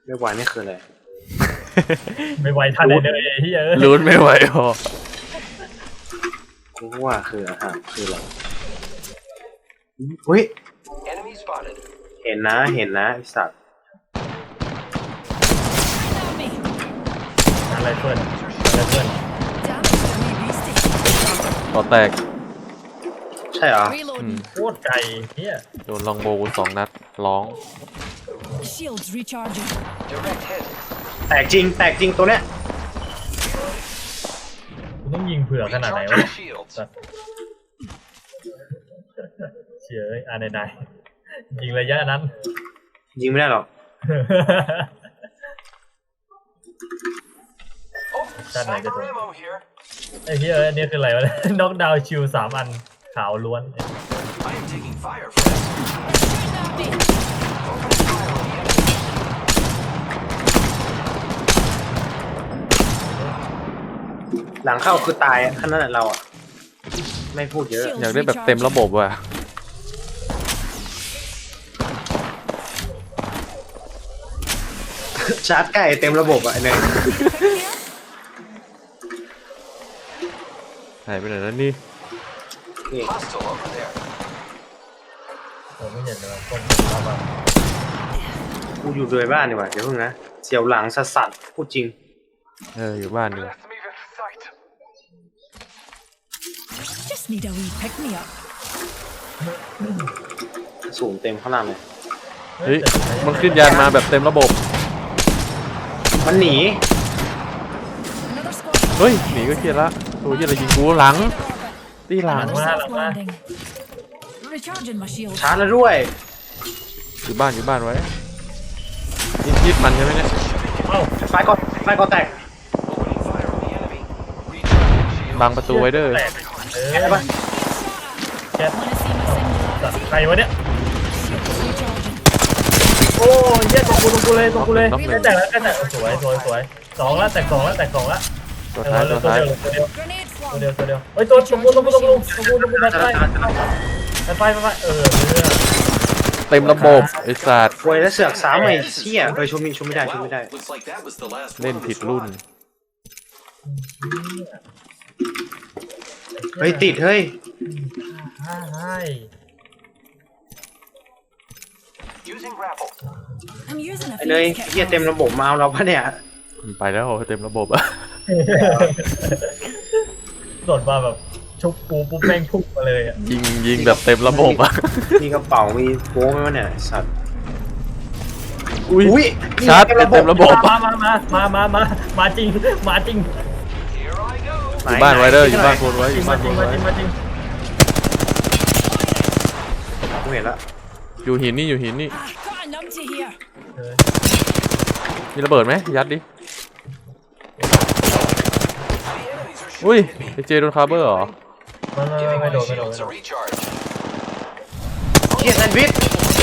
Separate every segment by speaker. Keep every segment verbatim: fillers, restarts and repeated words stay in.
Speaker 1: ไม่ไหวนี่คืออะไร
Speaker 2: ไม่ไหวทันเลยเลยที่เออ
Speaker 3: ลุ้นไม่ไหวพอ
Speaker 1: กูว่าคืออาหารคืออะไรเฮ้ยเห็นนะเห็นนะไอสัตว์
Speaker 2: อะไรเพื่อนอะไรเพื่อน
Speaker 3: ต่อแตก
Speaker 1: ใช่เหรอ
Speaker 2: โคตรไกลเฮีย
Speaker 3: โดนลองโบว์สองนัดร้อง
Speaker 1: แตกจริงแตกจริงตัวเนี้ย
Speaker 2: คุณต้องยิงเผื่อขนาดไหนวะเชี่ยเอ้ยอ่านไหนๆยิงระยะนั้น
Speaker 1: ยิงไม่ได้หรอก
Speaker 2: ด้านไหนจะโดนไอ้เฮียอันนี้คืออะไรวะน็อกดาวน์ชิลสามอันขาวล้วน
Speaker 1: หลังเข้าคือตายขนาดนั้นเราอ่ะไม่พูดเยอะ
Speaker 3: อยากได้แบบเต็มระบบว่ะ
Speaker 1: ชาร์จใกล้เต็มระบบอ่ะเนี่ย
Speaker 3: หายไปไหนแล้วนี่
Speaker 1: นี่
Speaker 2: ผมไม่เห็นเลยคนเข้ามา
Speaker 1: กูอยู่ด้วยบ้านดีกว่าเดี๋ยวเพิ่งนะเสียวหลังสัสสัสพูดจริง
Speaker 3: เอออยู่บ้านดีกว่า
Speaker 1: สูงเต็มข้างล่างเลย
Speaker 3: เฮ้ยมันขึ้นยานมาแบบเต็มระบบ
Speaker 1: มันหนี
Speaker 3: เฮ้ยหนีก็เคลียร์ละตัวยี่อะไรยิงกูหลังตีหลัง
Speaker 2: มาหลังมา
Speaker 1: ชาร์จแล้วด้วย
Speaker 3: อยู่บ้านอยู่บ้านไว้ยิบยิบมันใช่ไหมเนี่ย
Speaker 2: เอ้า
Speaker 1: ไฟก่อนไฟก่อนแตก
Speaker 3: บังประตูไว้เด้อ
Speaker 1: แกะปะ
Speaker 2: แกะใครวะเนี่ยโอ้ยเยี่ยตรงกูตรงกูเลยตรงกูเลยแค่แตกแล้วแค่แตกสวยสวยสวยสองแล้วแตกสองแล้วแตกสองแล้ว
Speaker 3: ตัวท้ายตัวท้าย
Speaker 2: ตัวเดียวตัวเดียวตัวเดียวเฮ้ยตัวตรงกูตรงกูตรงกูตรงกูตรงกูไปไปไปไปเออ
Speaker 3: เต็มระบบไอ้สัตว์
Speaker 1: ป่วยแล้วเสือกสามไอ้เชี่ยเออชมมีชมไม่ได้ชมไม่ได้
Speaker 3: เล่นผิดรุ่น
Speaker 1: เฮ้ยติดเฮ้ยไอ้เลยเฮียเต็มระบบมาเอาเราปะเนี่ย
Speaker 3: ไปแล้วเต็มระบบอะ
Speaker 2: โดดมาแบบชุบปูปุ๊บแม่งพุ่งมาเลยอ่ะ
Speaker 3: ยิงยิงแบบเต็มระบบอะ
Speaker 1: มีกระเป๋ามีโป้ไหมวะเนี่ยสัตว์
Speaker 3: อุ้ยชาร์จเต็มระบบ
Speaker 2: มามามามามามามาจริงมาจริง
Speaker 3: อยู่บ้านไว้เด้ออยู่บ้านโคนไว้อยู่บ้านโคนไว้
Speaker 1: กูเห็นละ
Speaker 3: อยู่หินนี่อยู่หินนี่มีระเบิดไหมยัดดิอุ้ยไอเจโดนคาร์เบอร์เหรอ
Speaker 2: ไม่ไม่โดนไม่โดน
Speaker 1: เกียร์แซนด์วิช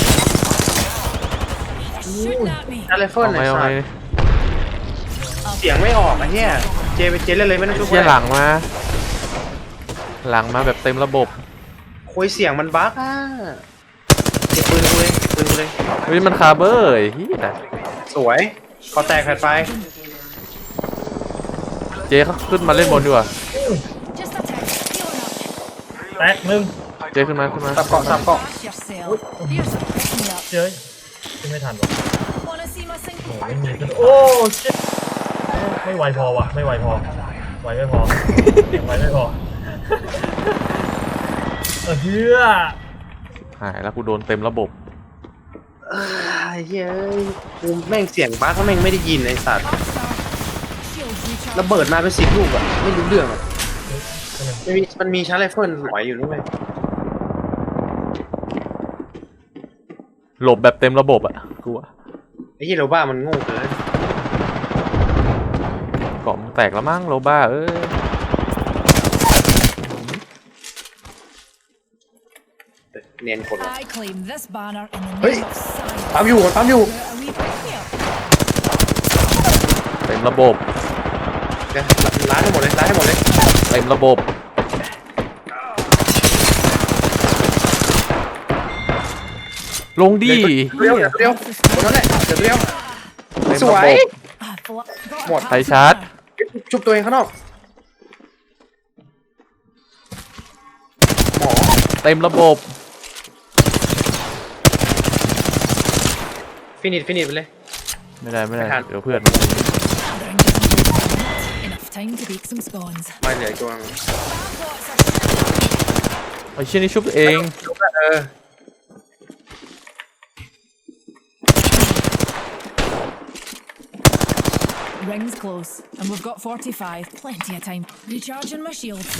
Speaker 1: อะไรเฟิร์นไหนสัตว์เสียงไม่ออกอะเฮียเจไปเจเล่นเลยไม่ต้องช่วย
Speaker 3: เฮียหลังมาหลังมาแบบเต็มระบบ
Speaker 1: คุยเสียงมันบั๊กอ่ะเก็บปืนกูเลยปืนกูเลย
Speaker 3: เฮ้ยมันคาร์เบอร์เฮีย
Speaker 1: สวยขอแตกแผ่นไฟ
Speaker 3: เจเขาขึ้นมาเล่นบนดีกว่า
Speaker 2: แตกมึง
Speaker 3: เจขึ้นมาขึ้นมา
Speaker 1: สับเกาะสับเกาะ
Speaker 2: เจ๊ขึ้นไม่ทันหรอกโอ้ไม่มีขึ้นโอ้ชิตไม่ไหวพอวะไม่ไหวพอไหวไม่พอไหวไม่พอเออเฮีย
Speaker 3: หายแล้วกูโดนเต็มระบบ
Speaker 1: เฮ้ยกูแม่งเสียงบ้าเขาแม่งไม่ได้ยินไอ้สัตว์ระเบิดมาเป็นสิบลูกอะไม่รู้เรื่องอะมันมีมันมีชาร์จไรเฟิลหลอยอยู่นี่ไหม
Speaker 3: หลบแบบเต็มระบบอะกูอะ
Speaker 1: ไอ้ยี่โรบ้ามันโง่เกิน
Speaker 3: กล่องแตกแล้วมั้งโรบ้าเอ้ย
Speaker 1: เนียนคนเฮ้ยปั๊มอยู่ปั๊มอยู่
Speaker 3: เต็มระบบ
Speaker 1: เดี๋ยวล้างให้หมดเลยล้างให้หมดเลย
Speaker 3: เต็มระบบลงดี
Speaker 1: เดียวเดียวคนนั้นแหละเดี๋ยวเดียว
Speaker 3: ต็ม
Speaker 1: ส
Speaker 3: ระ
Speaker 1: ว
Speaker 3: บ
Speaker 1: ย
Speaker 3: บ
Speaker 1: หมด
Speaker 3: ไฟชาร์จ
Speaker 1: ชุบตัวเองข้างนอกหมอ
Speaker 3: เต็มระบบ
Speaker 1: ฟินิชฟินิชไปเลย
Speaker 3: ไม่ได้ไม่ได้
Speaker 1: ไม่ทัน
Speaker 3: เดี๋ยวเพื่อน
Speaker 4: Enough time to bake some scones.
Speaker 1: ไม่เหลืออีกตัวนึง
Speaker 3: ไอ้เชี่ยนี่ชุบตัวเอง
Speaker 1: ชุบแล้วเออ
Speaker 4: Rings close, and we've got forty-five. Plenty of time. Recharging my shields.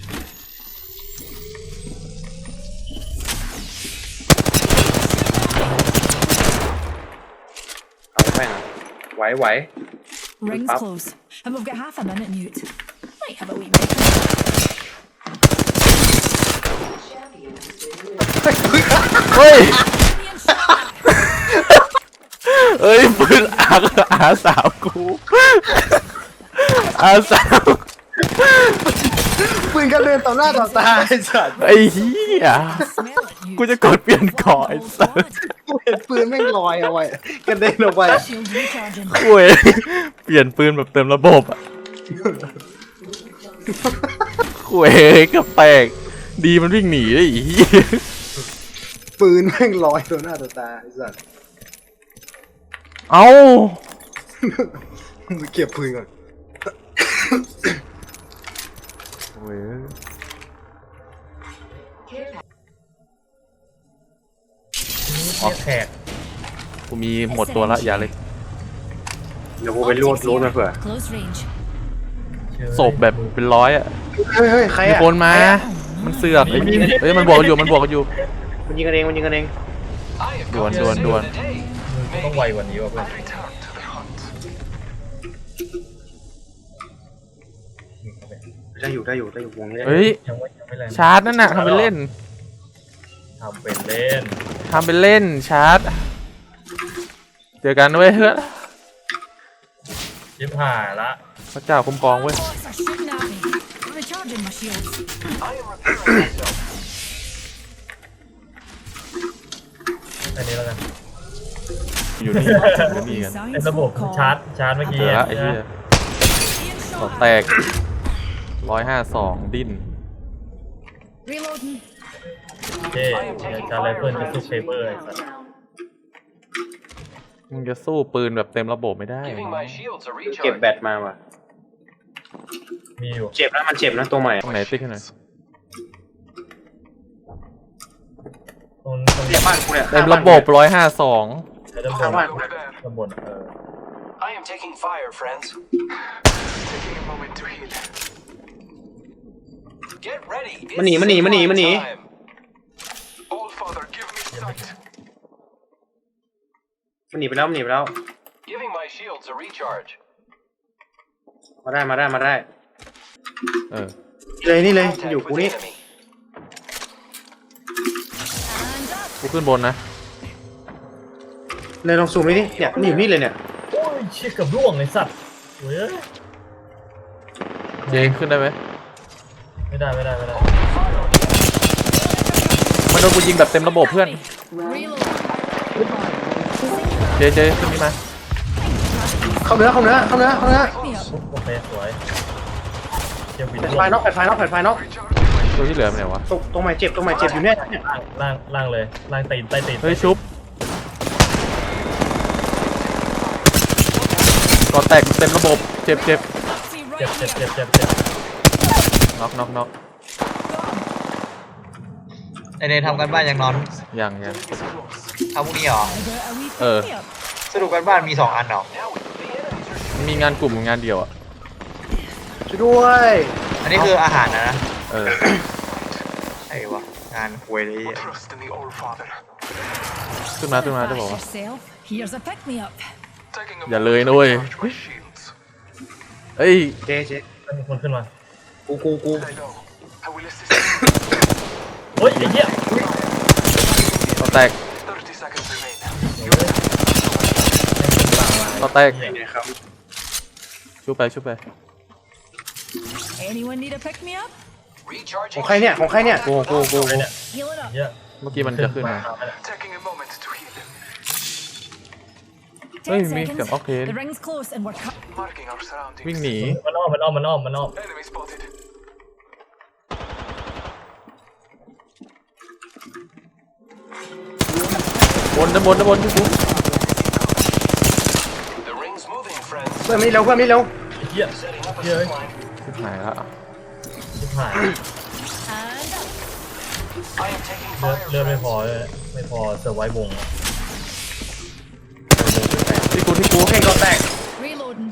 Speaker 1: เอาไปนะไหวไหว
Speaker 4: Rings
Speaker 1: Up.
Speaker 4: close, and we've got half a minute, Newt. Might have a wee break.
Speaker 3: เฮ้ย
Speaker 4: Being shot at.
Speaker 3: เอ้ยปืนอาอาสาวกูอาสาว
Speaker 1: ปืนกันเดินต่อหน้าต่อตาไอ้สัตว์
Speaker 3: ไอ้เหี้ย
Speaker 4: Smell it, Newt.
Speaker 3: กูจะกดเปลี่ยนก่อไอ้
Speaker 4: Whole
Speaker 3: สัส
Speaker 4: squad.
Speaker 1: กูเห็นปืนแม่งลอยเอาไว้กระเด็นออกไป
Speaker 4: Shields recharging.
Speaker 3: คุยเปลี่ยนปืนแบบเต็มระบบอ่ะคุยกับแปลกดีมันวิ่งหนีได้อี
Speaker 1: ปืนแม่งลอยต่อหน้าต่อตาไอ้สัตว์
Speaker 3: เอ้า
Speaker 1: มึงเก็บปืนก่อน
Speaker 3: โอ้ย
Speaker 2: แขก
Speaker 3: กูมีหมดตัวละอย่าเลย
Speaker 1: เดี๋ยวกูไปรูดรูดมาเผื่อ
Speaker 4: Close range.
Speaker 3: ศพแบบเป็นร้อยอ่ะ
Speaker 1: เฮ้ยเฮ้ยใคร
Speaker 3: มี
Speaker 1: อ่ะ
Speaker 3: คนมา มันเสือกไอ้นี่เอ้ยมันบวกกันอยู่มันบวกกันอยู่
Speaker 1: มันยิงกันเองมันยิงกันเอง
Speaker 3: ด่วนด่วนด่วน
Speaker 2: มึงต้องไวกว่านี้ว่ะเพื่อน
Speaker 1: ได้อยู่ได้อยู่ได้อยู่วงนี้ได้
Speaker 3: เฮ้ย
Speaker 2: ยังไม่ยังไม่แรง
Speaker 3: ชาร์จนั่นน่ะทำเป็นเล่น
Speaker 2: ทำเป็นเล่น
Speaker 3: ทำเป็นเล่นชาร์จเจอกันเว้ยเฮ้ย
Speaker 2: ยิบหายละ
Speaker 3: พระเจ้าคุ้มครองเว้ย
Speaker 4: Bots are shooting at me. Recharging my shields.
Speaker 2: อันนี้แล้วกัน
Speaker 3: อยู่นี่อยู่นี่กัน
Speaker 2: ไอ้ระบบชาร์จชาร์จเมื่อ
Speaker 3: เจ
Speaker 2: กี้
Speaker 3: อละ
Speaker 2: อะ
Speaker 3: ไอ้เหี้ย
Speaker 4: Being
Speaker 3: ต่อ
Speaker 4: shot
Speaker 3: แต
Speaker 4: at.
Speaker 3: กร้อยห้าสองดิ้น
Speaker 4: Reloading.
Speaker 2: เจ๊เดี๋ยวชาร์จไรเฟิลจะสู้เชเบอร์ไอ้สัส
Speaker 3: มึงจะสู้ปืนแบบเต็มระบบไม่ได้
Speaker 5: Giving my shields a
Speaker 1: เก็บ
Speaker 5: recharge.
Speaker 1: แบตมาว่ะ
Speaker 2: มีอยู่
Speaker 1: เจ็บนะมันเจ็บนะตัวใหม่
Speaker 3: ตรงไหนติ๊กให้หน่อย
Speaker 2: ตรงตรง
Speaker 1: เรียกบ้านกูเนี่ย
Speaker 3: เต็มระบบร้อยห้าสอง
Speaker 2: ไอ้ด้านบ
Speaker 1: ข้าง
Speaker 2: น
Speaker 1: บ้าน
Speaker 2: ด้านบนเออ
Speaker 5: I am taking fire, friends.
Speaker 6: Taking a moment to heal.
Speaker 5: Get ready. It's
Speaker 1: มันหนีมันหนีมันหนีมันหนี
Speaker 5: time.
Speaker 6: All Father, give me sight.
Speaker 1: มันหนีไปแล้วมันหนีไปแล้ว
Speaker 5: Giving my shields a recharge.
Speaker 1: มาได้มาได้มาได้
Speaker 3: เออ
Speaker 1: นี่เลยนี่เลย
Speaker 5: Contact
Speaker 1: อยู่
Speaker 5: with
Speaker 1: กูนี่
Speaker 5: enemy.
Speaker 4: And up.
Speaker 3: กูขึ้นบนนะ
Speaker 1: เลยลองซูมดิเนี่ยมันอยู่นี่เลยเนี่ย
Speaker 2: โอ้ยเชี่ยเกับร่วงไอ้สัตว์เว้ย
Speaker 3: เจขึ้นได้ไหม
Speaker 2: ไม่ได้ไม่ได้ไม่ได้
Speaker 3: มันโดนกูยิงแบบเต็มระบบเพื่อน
Speaker 4: Reload.
Speaker 3: เจเจขึ้นนี่มา
Speaker 1: เข้าเนื้อเข้าเนื้อเข้าเนื้อเข้าเนื้อ
Speaker 4: Me up.
Speaker 2: โอเคสวยเจ็บปิด
Speaker 1: แผ่น
Speaker 2: ร่ว
Speaker 1: ไฟ
Speaker 2: ง
Speaker 1: นอกแผ่นไฟนอกแผ่นไฟนอก
Speaker 3: ตัวที่เหลือไปไหนวะ
Speaker 1: ตรงตรงใหม่เจ็บตรงใหม่เจ็บอยู่เนี่ยเนี่ย
Speaker 2: ล่างล่างเลยล่างตีนใต้ตีน
Speaker 3: เฮ้ยชุบก่อแตกเต็มระบบเจ็บเจ็บ
Speaker 4: See
Speaker 2: เจ็บ
Speaker 4: right
Speaker 2: เจ็บ
Speaker 4: here.
Speaker 2: เจ็บเจ็บเจ็บ
Speaker 3: น็อกน็อกน็อก
Speaker 7: ไอเนยทำกันบ้านยังนอน
Speaker 3: ยังยัง
Speaker 7: ทำพรุ่งนี้เหรอ
Speaker 4: I got a wee
Speaker 3: Uh.
Speaker 4: pick me up.
Speaker 7: สรุปกันบ้านมีสองอันเหรอ
Speaker 3: มันมีงานกลุ่มกับงานเดียวอ่ะ
Speaker 1: ช่วยด้วย
Speaker 7: อันนี้คืออาหารนะนะ
Speaker 3: เออ
Speaker 7: ไอ้วะงานควยเลยไอ้เหี้ย
Speaker 6: Trust in the All Father.
Speaker 3: ขึ้นมาขึ้นมาจะบอก
Speaker 4: Bash
Speaker 3: ว่า
Speaker 4: yourself. Here's a pick me up.
Speaker 6: Taking a
Speaker 3: อย่า
Speaker 6: moment
Speaker 3: เลย
Speaker 6: to
Speaker 3: นะเว้ย
Speaker 6: recharge my shields.
Speaker 3: เอ้ย
Speaker 1: เจเจ
Speaker 2: มีคนขึ้นมา
Speaker 1: กูกูกู
Speaker 6: I know. I will assist
Speaker 2: เฮ้ยไอ้เหี้ย
Speaker 3: ก่อแตก
Speaker 6: you. Thirty seconds remain.
Speaker 3: ก่อแตก
Speaker 1: เนี่ยครับ
Speaker 3: ชุบไปชุบไป
Speaker 4: Anyone need a pick me up?
Speaker 1: ข
Speaker 5: Recharging.
Speaker 1: องใครเนี่ยของใครเนี่ย
Speaker 3: กูกูกู
Speaker 2: ไอ้เนี่ย
Speaker 4: Heal it up.
Speaker 2: เหี้ย
Speaker 3: เมื่อกี้มันจะขึ้นมา
Speaker 6: Taking a moment to heal.
Speaker 3: เฮ้ย
Speaker 4: ten
Speaker 3: มีเสียง
Speaker 4: seconds.
Speaker 3: ออกเทน
Speaker 4: The ring's close and we're cut.
Speaker 6: Marking our surroundings.
Speaker 3: วิ่งหนี
Speaker 2: มันอ้อมมันอ้อมมันอ้อมมันอ้อม
Speaker 6: Enemy spotted.
Speaker 3: บนด้านบนด้านบนที่กู
Speaker 5: The ring's moving, friends.
Speaker 1: เพื่อนไม่เร็วเพื่อนไม่เร็ว
Speaker 2: ไอ้เหี้ย
Speaker 5: Setting up a
Speaker 2: เหี้ย
Speaker 5: zip line.
Speaker 3: ชิบหายละ
Speaker 2: ชิบหาย
Speaker 4: And up.
Speaker 5: I am taking
Speaker 2: เลือด
Speaker 5: fire,
Speaker 2: เลือดไม่
Speaker 5: friends.
Speaker 2: พอเลยไม่พอเซอร์ไววงอะ
Speaker 3: ที่กูที่กู
Speaker 1: โอเคก็แตก
Speaker 4: Reloading.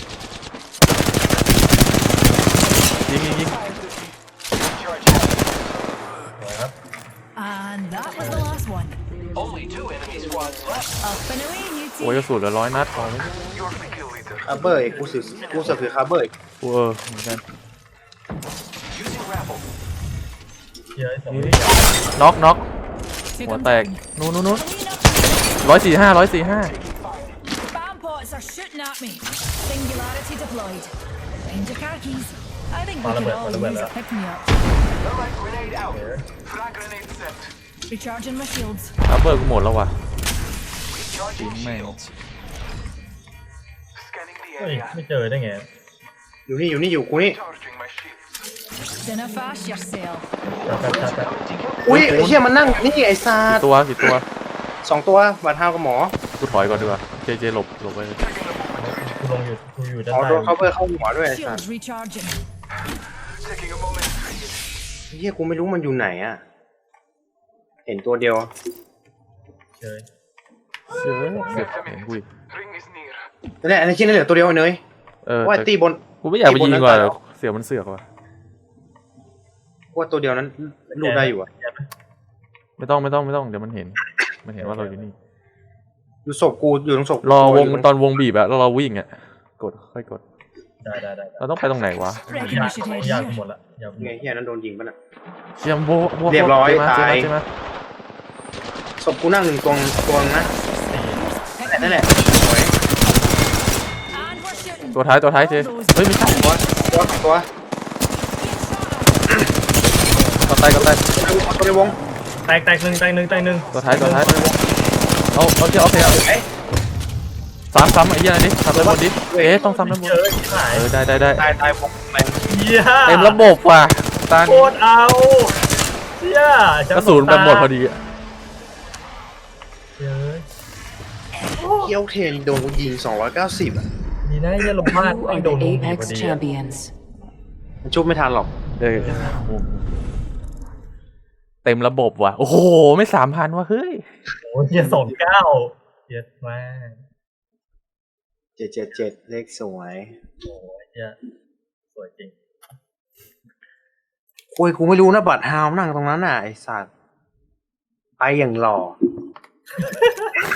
Speaker 3: ยิงยิงยิง
Speaker 5: Recharge.
Speaker 2: สวยครับ
Speaker 4: And that was the last one.
Speaker 5: Only two enemy squads left.
Speaker 4: Up and away, you
Speaker 3: โอ้ย
Speaker 4: two.
Speaker 3: กระสุนเหลือร้อยนัดพอไหม
Speaker 6: You're the kill leader.
Speaker 1: คาร์เบอร์อีกกูสือกูสือคือคาร์เบอร์อีก
Speaker 3: กูเออเหมือนกัน
Speaker 5: Using grapple.
Speaker 2: เหี้ยไอ้สอง
Speaker 3: นี่
Speaker 2: นี่
Speaker 3: น็อกน็อก
Speaker 4: Took
Speaker 3: หัว
Speaker 4: him
Speaker 3: แตก
Speaker 4: down.
Speaker 3: นู้นนู้นนู้น
Speaker 4: Clean up.
Speaker 3: ร้อยสี่ห้าร้อยสี่ห้า
Speaker 4: Spam pots are shooting at me. Singularity deployed. Find your car keys. I think we could all use a pick me up.
Speaker 5: Thermite grenade out.
Speaker 6: Frag grenade set.
Speaker 4: Recharging my shields.
Speaker 3: อัพเบอร์กูหมดแล้วว่ะ
Speaker 5: Recharging
Speaker 3: Team mate.
Speaker 5: shields.
Speaker 6: Scanning the
Speaker 2: เฮ้ย
Speaker 6: area.
Speaker 2: ไม่เจอได้ไง
Speaker 1: อยู่นี่อยู่นี่อยู่กูนี่
Speaker 6: Charging my shields.
Speaker 4: Dinner fast yourself.
Speaker 2: จัดจัดจัดจัด
Speaker 1: อุ้ยไอ้เหี้ยมันนั่งนี่ไอ้ซา
Speaker 3: กี่
Speaker 1: ด
Speaker 3: ตัวกี่ตัว
Speaker 1: สองตัวบาดเท้ากับหมอ
Speaker 3: กูถอยก่อนดีกว่าเจเจหลบหลบไป
Speaker 2: กูลงอยู่กูอยู่ด้าน
Speaker 1: อ๋อ
Speaker 2: ใต้
Speaker 1: โดนคาร์เบอร์เข้าหัวด้วยไอ้ซาด
Speaker 4: Shields recharging.
Speaker 6: Taking a moment to heal.
Speaker 1: ไอ้เหี้ยกูไม่รู้มันอยู่ไหนอ่ะเห็นตัวเดียว
Speaker 2: เจอ
Speaker 3: เชื่อเสียบเห็นกูอีก
Speaker 6: Ring is near.
Speaker 1: นั่นแหละไอ้ที่นั่นเหลือตัวเดียวไอ้เนย
Speaker 3: เออ
Speaker 1: ว่า
Speaker 3: แต่
Speaker 1: ตีบน
Speaker 3: กูไม่อยากไปยิงก่อน
Speaker 1: ตีบนนั้นตายแล้ว
Speaker 3: เสียงมันเสือกว่ะ
Speaker 1: ว่าตัวเดียวนั้นลูกได้อยู่อ่ะ
Speaker 3: ไม่ต้องไม่ต้องไม่ต้องเดี๋ยวมันเห็น มันเห็นว่าเราอยู่นี่
Speaker 1: อยู่ศพกูอยู่ตรงศพกู
Speaker 3: รอวง
Speaker 1: ยู่
Speaker 3: ตอนวงบีบอะแล้วเราวิ่งอะกดค่อยกด
Speaker 2: ได้ได้ได้
Speaker 3: เราต้องไปตรงไหนวะ
Speaker 4: Reckon
Speaker 2: ยา
Speaker 4: we
Speaker 2: ก
Speaker 4: should head
Speaker 2: ยาก
Speaker 4: here.
Speaker 2: หมดละยากหม
Speaker 1: ไง
Speaker 2: ด
Speaker 1: เหี้ยนั้นโดนยิงป่ะน่ะ
Speaker 3: เชียมโบโบ
Speaker 1: เรียบร้อย
Speaker 3: เจมาเจ
Speaker 1: ตาย
Speaker 3: มาเจมา
Speaker 1: ศพกูนั่งหนึ่งตรงตรงนะ
Speaker 2: สี่
Speaker 1: นั่นแหละสวย
Speaker 4: And we're shooting.
Speaker 3: ตัวท้ายตัวท้ายเจเฮ้ยไม่ใช่
Speaker 1: ตัวตัวตัว
Speaker 3: ก็ตายก็ตาย
Speaker 1: ตัวในวง
Speaker 2: แตกแตกหนึ่งแตกหนึ่งแตกหนึ่ง
Speaker 3: ตัวท้ายตัวท้ายเอาเอาเจโอเคเอา
Speaker 1: เอ้ย
Speaker 3: ซ้ำซ้ำไอ้เหี้ยนี่ซ้ำด้านบนดิเอ๊ะต้องซ้ำด้านบน
Speaker 2: เจอที่ไหน
Speaker 3: เออได้ได้ได้
Speaker 1: ตายตายวงไป
Speaker 2: เหี้ย
Speaker 3: เต็มระบบว่ะตา
Speaker 2: โคตรเอาเหี้ย
Speaker 3: กระสุนแบบหมดพอดีอะ
Speaker 2: เฮ้ย
Speaker 1: เกี้ยวเทนโดนกูยิงสองร้อยเก้าสิบอ่ะ
Speaker 2: ดีนะเนี่ยลงพลาด
Speaker 8: You
Speaker 2: ไอ้
Speaker 8: are
Speaker 2: โดน
Speaker 8: the
Speaker 2: ลงดีพอ
Speaker 8: Apex
Speaker 2: ดีอะ
Speaker 8: champions.
Speaker 1: มันชุบไม่ทันหรอก
Speaker 3: เออเต็มระบบว่ะโอ้โหไม่สามพันว่ะเฮ้ย
Speaker 2: โอ้ยเหี้ยสองเก้าเหี้ยมาก
Speaker 1: เจ็ดเจ็ดเจ็ดเลขสวย
Speaker 2: โอ้ยเหี้ยสวยจริง
Speaker 1: โอ้ยกูไม่รู้นะบัตรฮาวนั่งตรงนั้นน่ะไอ้สัตว์ไปอย่างหล่อ